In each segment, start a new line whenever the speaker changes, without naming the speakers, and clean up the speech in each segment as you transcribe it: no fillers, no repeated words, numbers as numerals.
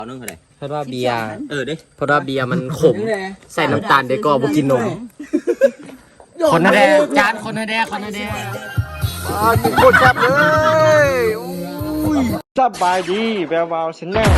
เอานึ่งอะไร
เพราะว่าเบียร์
ดิ
เพราะว่าเบียร์มันขมใส่น้ำตาลเด็กก็บ่กินนมคนนาแดจานคนนาแด
กินโคตรแซ่บเลยสบายดีแวววาวชแนล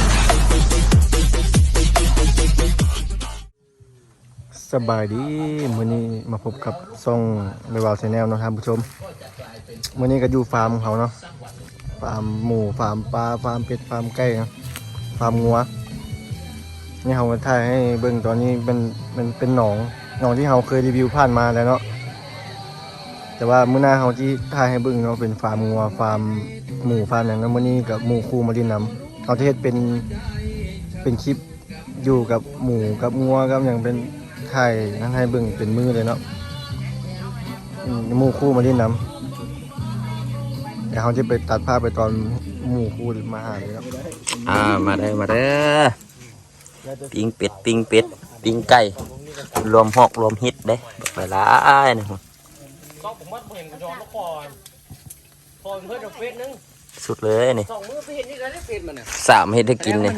สบายดีมื้อนี้มาพบกับซ่องแวววาวชแนลเนาะท่านผู้ชมมื้อนี้ก็อยู่ฟาร์มของเขาเนาะฟาร์มหมูฟาร์มปลาฟาร์มเป็ดฟาร์มไก่นะฟาร์มงัวนี่เขามาถ่ายให้เบิ่งตอนนี้เป็นหนองที่เขาเคยรีวิวผ่านมาแล้วเนาะแต่ว่ามื้อหน้าเขาที่ถ่ายให้เบิ่งเนาะเป็นฟาร์มงัวฟาร์มหมูฟาร์มอย่างนั้นมื้อนี้กับหมูคู่มาดินน้ำเขาที่เฮ็ดเป็นคลิปอยู่กับหมูกับงัวกับอย่างเป็นถ่ายนั่นให้เบิ่งเป็นมือเลยเนาะหมูคู่มาดินน้ำเดี๋ยวเขาจะไปตัดภาพไปตอนหมูคู่มาหาเลยเนาะ
มาเด้อปิ้งเป็ดปิ้งไก่รวมหอกรวมฮิตเด้ไปหลายนะ
ผมว่าเห็นกระจอกก่อนพอเพื่อนเฟซนึง
สุดเลยนี่
2 มื้อไปเห็นนี่ได้เฟซมันน่ะ
3เฮ็ดให้กินนี่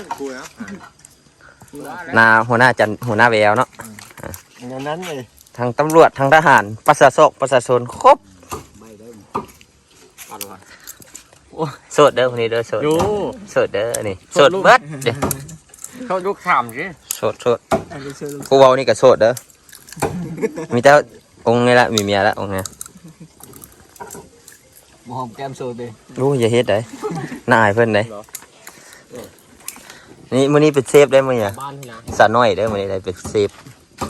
นาหัวหน้าจันหัวหน้าแววเนาะ
อย่างนั้นเลย
ทางตำรวจทางทหารประชาชนครบโสดเด้อคนนี้เด้อโสดโสดเด้อนี่โสดเบิดเด้
เขาลูกถามสิ
โสดกูเว้านี่ก็โสดเด้อมีแต่องค์นี่ละมีเมียละองค์เนี่ย
หอมแก้มโซเด้
รู้อย่าเฮ็ดได้น่าอายเพิ่นได้นี่มื้อนี้เป็นเซฟได้มื้อเนี่ยสาน้อยเด้อมื้อนี้ได้เป็นเซฟ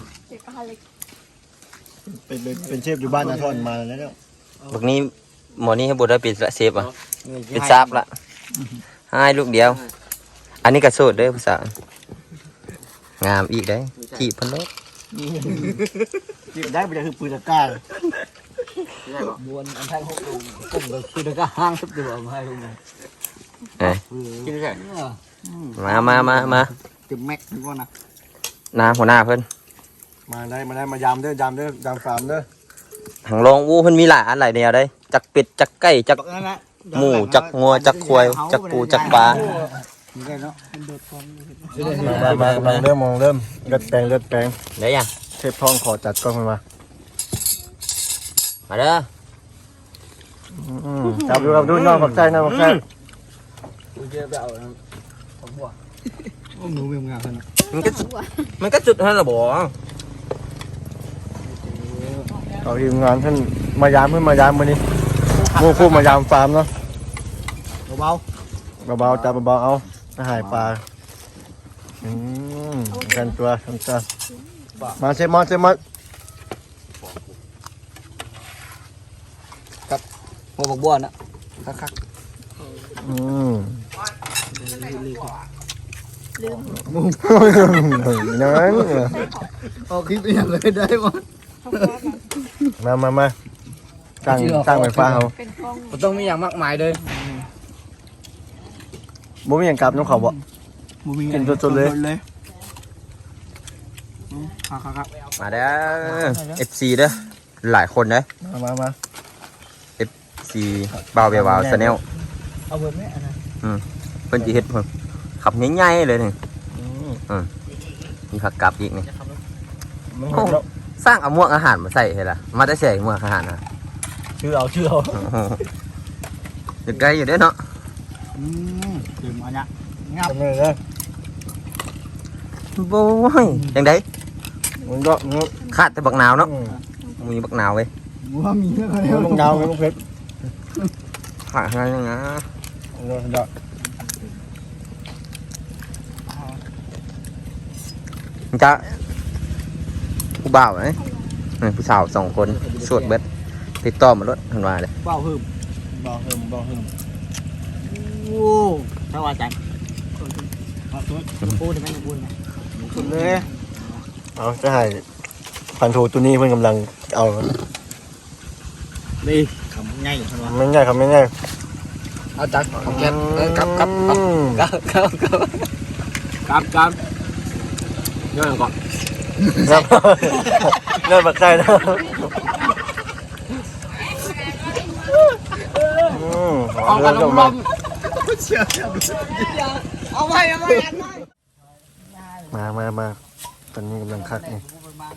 เป็นเชฟอยู่บ้านนาทอนมาแล้วเนี่ย
บักนี้หมอนี่ให้บ่ได้เป็นเซฟอ่ะเป็นซาบละให้ลูกเดียวอันนี้ก็โสดเด้อผู้สาวงามอีกได้จีบเพิ่นโลด
จีบได้บ่ได้คือปืนตะกร้า
บวนอันไทย6ลุงผมก็ปืนตะกร้าห้างทุบอยู่บ่ให้ลุงกินได้
มา
จุดแม็กนี่ก่อนนะ
นาหัวหน้าเพิ่น
มายามเด้อยามฟาร์มเด้อ
หังลองอู้เพิ่นมีหลายอันหลายแนวได้จักเป็ดจักไก่จักหมูจักงัวจักควายจักปูจักปลา
มาเริ่มเลือดแปลง
ได้ยัง
เทพทองขอจัดกล้องมา
เด้อ
จับดูน้องปักใจกูเจอไปเอาของหัวหนูเวียงงานนะ
มันก็จุดให้ละบ่
เอาทีมงานท่านมายามมื้อนี้หมูคู่มายามฟาร์มเนาะเบาจับเบาเอาหายปลากันตัวมาเซมอน
กับหัวบักบัวนะคัก
นั่น
เอาคลิปอย่างเลยได้หมด
มาตั้งไฟฟ้าเขา
ต้องมีอย่างมากมายเลย
บ่มีอย่างกลับน้องเขาบ่กินจนเลย
มาเด้อ FC เด้อหลายคนเด้อ
มา
FC บ่าวเบียบ่าวชาแนล
เอาเบิดมั้ยอันนั้น
เพิ่นสิเฮ็ดเพิ่นขับใหญ่ๆเลยนี่มีผักกับอีกนี่สร้างเอาหมวกอาหารมาใส่ให้ล่ะมาได้ใส่หมวกอาหารนะ
ชื่อเอา
เด็กไกลอยู่เด้เนาะ
ดื่มอันนี้งับเลย
โว้ยจังได๋
มันก็
ขาดแต่บักนาวเนาะมีบักนาวเว้ย
ว่ามีแล้วบักนาวบักเพชร
ขาดให้นะจะผู้บ่าวไหมผู้สาว2 คนสวดเบ็ดติดต่อมารถทันวาเลย
บ่าวหึม
โอ้ถ้าว่าจังพูดได้ไหมพูดไหม
สุดเลยเอาจะให้พันโทตัวนี้เพื่อนกำลังเอา
ดีคำง่ายทันวา
ไม่ง่ายคำไม่ง่าย
เอาจังแกนกับย้อนก่อน
เริ่มปักใจแล้ว
เอากันลมเอาไว้
มาตอนนี้กำลังคักนี่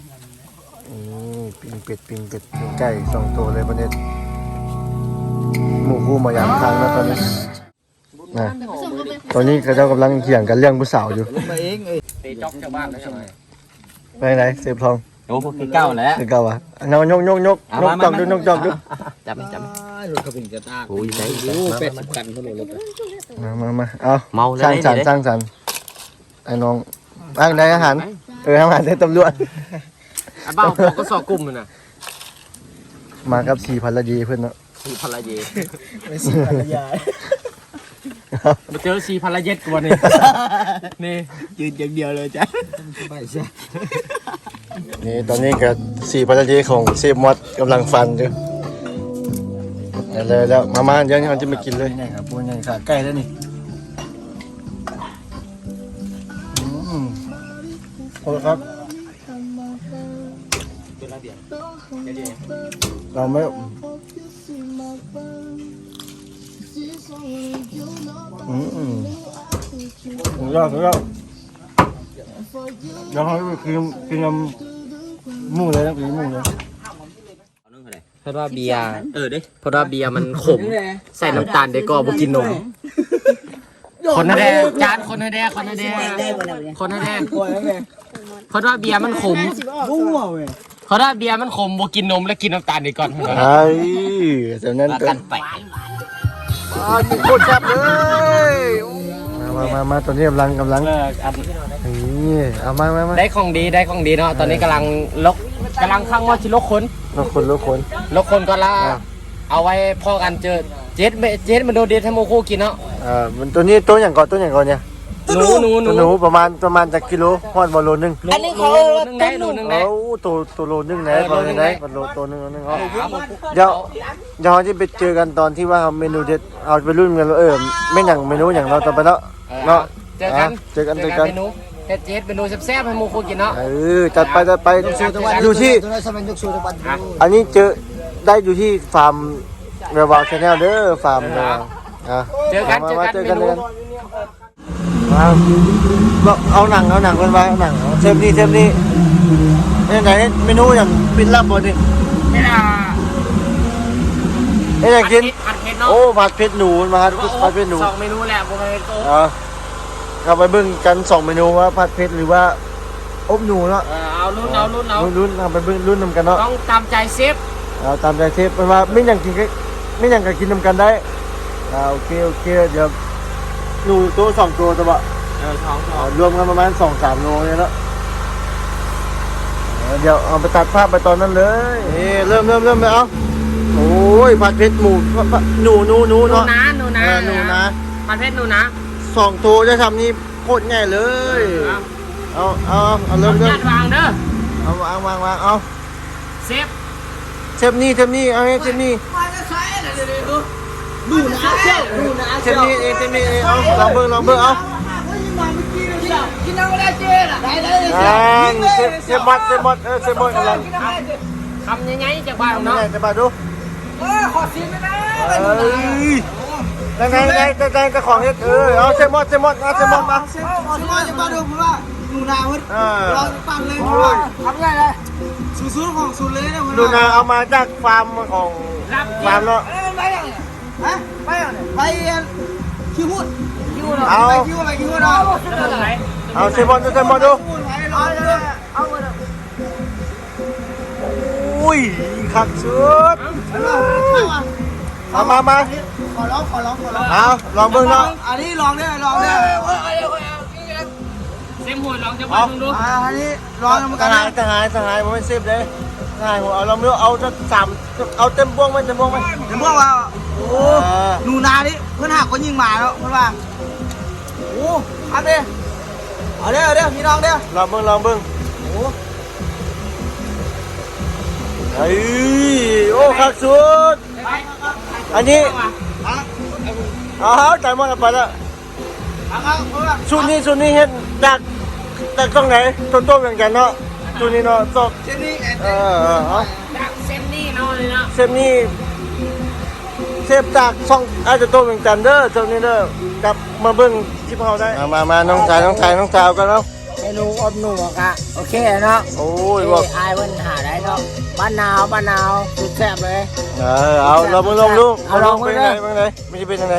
ปิ้งเป็ดปิ้งไก่2ตัวเลยประเด็นหมู่คู่มายามครั้งแล้วตอนนี้นะตอนนี้เขาเจ้ากำลังเถียงกันเรื่องผู้สาวอยู่
มาเองเอ้ย
ตีจ๊อกชาวบ้านแล้วใช่ไหม
ไปไหนเสพทอง
โอ้พวกเก้าแล้ว
คือเก่าวะเอายกจอกดู
จับ
รถเขาเป็นกระตาก
โอ้ยใส่
เป็ดกันเขาเลยรถ
มาเอา
เมา
สร้างสรรค์ไอ้น้องอ้างได้อาหารอาหารได้ตำรวจ
บ้าพวกก็สอกลุ่มมันน่ะ
มากับ4 ภรรยาเพื่อนเนาะ
สีภรรยา
ไม่ใช่ภรรยา
มาเจอสีภรรยาตัวนี้นี่
ยืนอย่างเดียวเลยจ้ะไม่ใช่
นี่ตอนนี้ก็4 ภรรยาของเซฟมอดกำลังฟันอยู่แล้วมาเดี๋ยวนี้มันจะมากินเลยนี่ครับพวกนี้ขาไก่แล้วนี่โอ้ครับเราไม่สุดยอดเดี๋ยวเขากินยำหมูเลยนะกินหมูเลย
เพราะว่าเบียร์เพราะว่าเบียร์มันขมใส่น้ำตาลได้ก็บ่กินนมคนแดงจานคนแดงเพราะว่าเบียร์มันขม
กู้เอาเว้ย
เพราะว่าเบียร์มันขมบ่กินนมแล้วกินน้ำตาลได้ก่อน
ไอ้แต่นั้น
กันไป
กินโคตรแซ่บเลยมาตอนนี้กำลังนี่เอามา
ได้ของดีเนาะตอนนี้กำลังข้างว่าชิลกคน
ลกคน
ก็ละเอาไว้พอกันเจอเจ็ดมันโดนเดทให้โมโคกินเนาะ
มันตัวนี้ตัวอย่างก่อนเนี่ย
หนู
ประมาณจากกิโลฮอดบอลโลนึง
อันนี้เขาได้โลนึงได้
ตัวโลนึงไหนบอลไหนบอลโลตัวนึงเดี๋ยวเราจะไปเจอกันตอนที่ว่าเมนูเด็ดเอาไปรุ่นกันไม่อย่างเมนูอย่างเราต่อไปแล้วเนาะเจอกัน
เมนูเจ็ดเมนูแซ่บๆให้โมโคกินเนาะ
จัดไปอยู่ที่อันนี้ได้อยู่ที่ฟาร์มเรวาชาแนลเด้อฟาร์ม
เจอกันเลย
เอาหนังกันไว้เอาหนังเทปนี้ไหนเมนูอย่างปิดลับบนนี่
ไม่น่า
อยากกิน
ผัดเผ็ดเนาะ
โอ้ผัดเผ็ดหนูมาผัดเผ็ดหนู
2 เมนูแหละบ่ให้โต
เราไปเบิ่งกัน2 เมนูว่าผัดเผ็ดหรือว่าอบหนูเนาะ
เอารุ่น
เอาไปเบิ่งรุ่นนำกันเนาะ
ต้องตามใจเซฟ
ตามใจเชฟเป็นว่าไม่อย่างกันกินนำกันได้โอเคเดี๋ยวหนูตัว2 ตัวตัวรวมกันประมาณ 2-3 โลเนี่ยเนาะเดี๋ยวเอาไปตัดภาพไปตอนนั้นเลยเริ่มไปเอาโอ้ยผัดเผ็ดหมูหนูเนาะหนูนะ
ผัดเผ็ดหนูนะ
2 ตัวจะทำนี่โคตรง่ายเลยเอาเริ่ม
วางเด้อ
เอาวางเอา
เซฟ
นี่เอาให้เชฟนี่
ดูนะเชี่ยว
เชฟนี่เอาลองเบิ่งเอา
กินน้ำไม่ได้เจ๊ล่ะ
เชฟมอดกำลัง
ทำยังไงจากบ้านเนาะ
จะมาดู
ขอซีนไม่ได้
ไงกระของเฮ็ดเอาเชฟมอดมา
มาจะมาดูผมว่าหนูนาเว้ยเราปั่นเลยผมว่าทำไงเลยสูตรของสูตรเลยนะ
หนูนาเอามาจากฟาร์มของฟาร์มเนาะ
ไปยังเนี่ยฮะไปคิวพูด
เอา
คิวเนาะ
เอาเซมอนดูอุ้ยขักชุดมา
ขอร้อง
เอาลองเบิ่งเนาะ
อันนี้ลองได้
เซมหัวลองจะบ้านมึงดู
อันนี้ลองมันกัน
สหายผมไม่เซฟเลยสหายผมเอาลองดูเอาจะเอาเต็มพวงไหม
ว่าโอ้หนูนาดิเพื่อนหักคนยิงหมาแล้วเพื่อนว่าโอ้ครับดิเอาเด้อพี่น้องเด้อ
ลองเบิ่งโอ้ขักชุดอันนี้จ่ายหมดแล้วไปแล้วชุดนี้เห็นจากตรงไหนต้นอย่างกันเนาะชุดนี้เนาะจบ
เส้นนี้
จากเส้นนี้เนาะเลยเนาะ
เส้นนี้เซฟจากช่องอาจจะโตเวียงจันทน์เด้อช่วงนี้เด้อกลับมาเบิ่งคลิปเฮาได้มาน้องชายน้องสาวกันเนาะ
เมนูอบหนูอะโอเคเนาะ
โอ้ยบอก
อายมันหาได้เนาะบ้านนาวสุดแซ่บเลย
เอาเรามาลองดู
เอาลอง
เป็น
ดู
ไง
เลย
เป็นไงไม่ใช่เป็นยังไง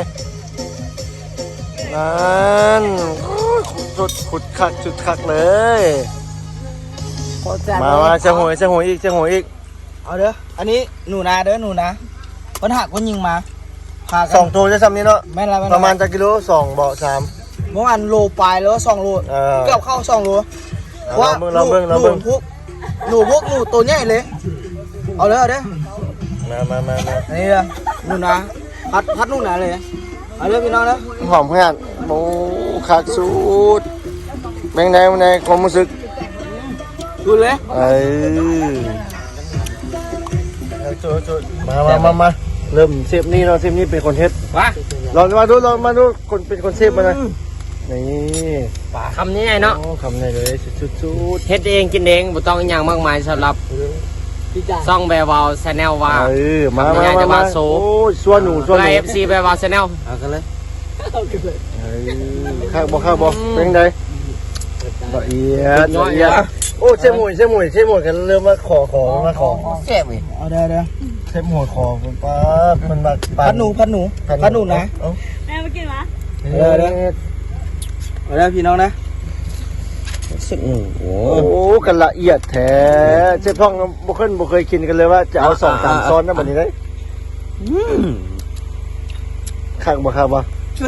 นั่นสุดขุดคักเลย
โคตรแซ่บ
มาจะหวยอีก
เอาเด้ออันนี้หนูนาเด้อหนูนะคนหักคนยิงมาพากั
สองตัวจะซ้ำนี้เนาะ
แม่นละ
ประมาณจะกิโล2เบาะ3
เมื่อวานโลปลายแล้ว2 โลเกือบเข้า2 โล
เราเบิ่ง
หนูพวกหนูตัวใหญ่เลยเอาเลยเอาเด้อ
มา
อันนี้เลยหนูนะพัดหนูนาเลยเอาเลยพี่น้องนะ
หอมขนาดโอ้คักสุดแบงในความรู้สึก
ดูเลย
จุดมาเริ่มเซฟนี่เราเซฟนี่เป็นคนเฮ็ด
ว้า
ลองมาดูคนเป็นคนเซฟมานะนี่
คำนี้ไงเนาะ
โอ้คำไหนเลยชุด
เฮ็ดเองกินเองบ่ต้องอหย่างมากมายสำหรับ
พี่จ่า
ซ่องแบวาวชาแนลว่า
มา
ทำยังไงจะมาโซ
โอ้ยส่วนหนู
เอฟซีแบวาวชาแนลเอากันเลย
ข้าวบ่เป็นไงละเอียดโอ้เชฟหมวยกันเริ่มมาขอแซ่บอีก
เอาเด้อ
เชฟหมวยขอคุณป้ามันมา
พัดหนูนะ
แม่มากินวะ
เอาเด้อพี่น้องนะ
สึกหนูโอ้
โอ้กันละเอียดแท้เชฟพ่องบ่เคยกินกันเลยว่าจะเอา2-3ซ้อนนะบัดนี้ได้ข้างบ่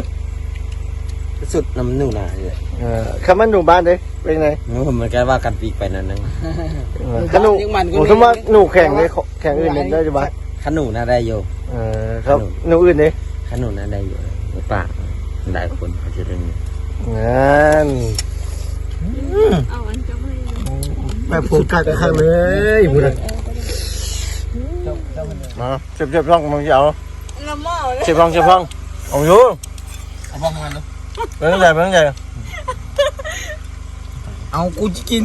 สุดน้ำหนูนาเลย
คำว่าหนูบ้านเด้เป็นไง
มันก็ว่ากันปีกไปนั่นนึง
ขนูสมมติหนูแข่งเลยแข่งอื่นได้ใช่ปะ
ขนูน่าได้อยู่
ครับหนูอื่นเลย
ขนูน่าได้อยู่ปากหลายคนเขาจะได้ยิน
งั้น
เอาอันจะไม่
แบบโฟกัสข้างเลยพูดเลยมาเชฟร่องมึงจะเอา
ละหม้อเลย
เชฟร่องเอาอยู่
เอาบ้องมันเนาะ
เป็นไง
เอากูจะกิน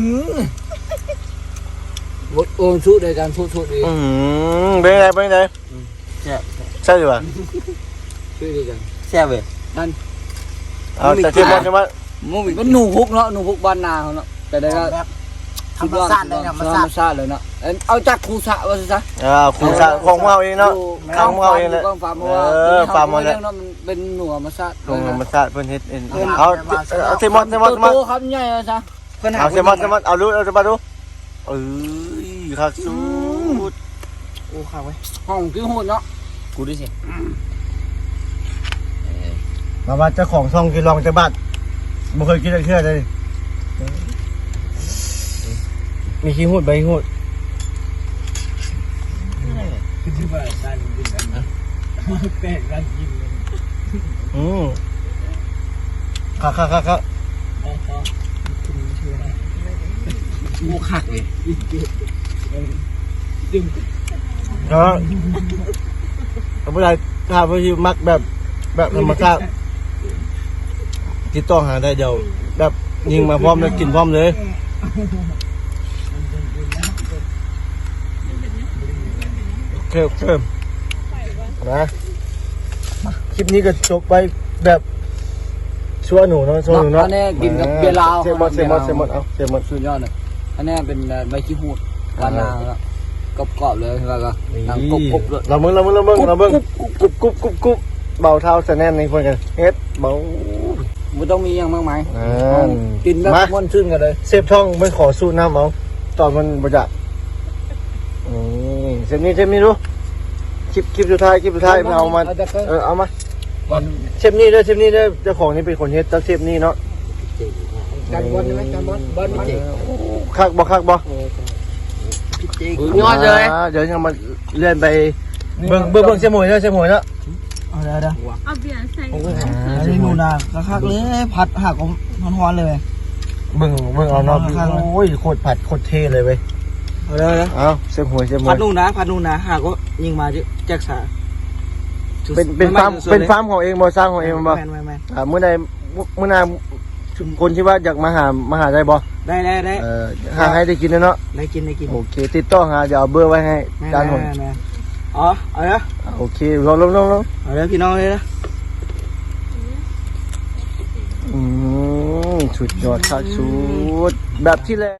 บดโอนชุดเลยกันชุดดี
เป็นไงใช่หรือเปล่า
ชุดดีกัน
แซ่บเลย
เอาแต่เชฟร่องใช่ไหม
มูบิก็หนูพุกเนาะหนูพุกบ้านนาเขาเนาะแต่ได้ก็ธรรมชาติเลยธรรมชาติเลยเนาะเอาจากครูสะว่าซะ
คุณสะของเราเองเนาะของเราเองเลย
ฟาร์มเพราะว่าฟาร์มมันเนาะมันเป็นหนูธรรมชาติ
ลงธรรมชาติเพิ่นเฮ็ดเองเอาเซมอน
โตครับใหญ่ซะ
เอาเซมอนเอาดูเอาจะมาดูคักสุด
โอ้ข้าวไว้ห้องกิ้วโหดเนาะ
กูดิสิ
มาว่าเจ้าของช่องกินลองจะบัดบ่เคยกินอะไรเชื่อเลยมีขี้หูดใบหูดครับ
กูขักเลย
ก็เอาไปได้ถ้าไปอยู่มักแบบธรรมชาติติดต่อหาได้เดียวแบบยิงมาพร้อมแล้วกินพร้อมเลยโอเคนะคลิปนี้ก็จบไปแบบชัวหนูเนาะชัวหนูเนาะ
อันนี้กินกับเบียร์ลาว
เซมอนเอาเซมอน
สุดยอดเลยอันนี้เป็นใบขี้หูดบ้านนาแล้วกรอบเลยแล้วก็นั่งกบเลย
เราเบิ่งกุ๊บเบาเท้าแสแน่นในคนกันเฮ็ดเบา
ไม่ต้องมีอย่างมากมาย
นั่น
กินแบบม้วนชื่นกันเลย
เซฟท่องไม่ขอสู้น้ำเอาตอนมันบจะเซฟนี้ดูคลิปสุดท้ายเอามาเอามาเซฟนี้ด้วยเจ้าของนี่เป็นคนเฮ็ดตั้งเซฟนี้เนาะ
การบอลใช่ไหมการบอลมัน
คักบ่
ยอดเลย
เดี๋ยวยังมาเลื่อนไปเบิ่งเซฟหมวยเนาะ
เอาได้
เอาเบียร์ใส่
อันนี้หนูนาคักเลยผัดหักของฮ้อนๆเลย
เบิ่งเอาเนาะโอ้ยโคตรผัดโคตรเท่เลยเว้ย
เอาได้
เอาเซฟหมวย
ผัดหนูนะหากก็ยิงมาแจ็คสา
เป็นฟาร์มของเองบ่สร้างของเองบ่
แม่น
เมื่อนาคนที่ว่าอยากมาหาได้บ่
ได้
หาให้ได้กินเนาะ
ได้กิน
โอเคติดต่อหาเดี๋ยวเอาเบอร์ไว้ให้จานหน
อ๋อเอาละ
โอโอเคลอง
เอาเลยพี่น้องเลยนะ
สุดยอดครับสุดแบบที่แรก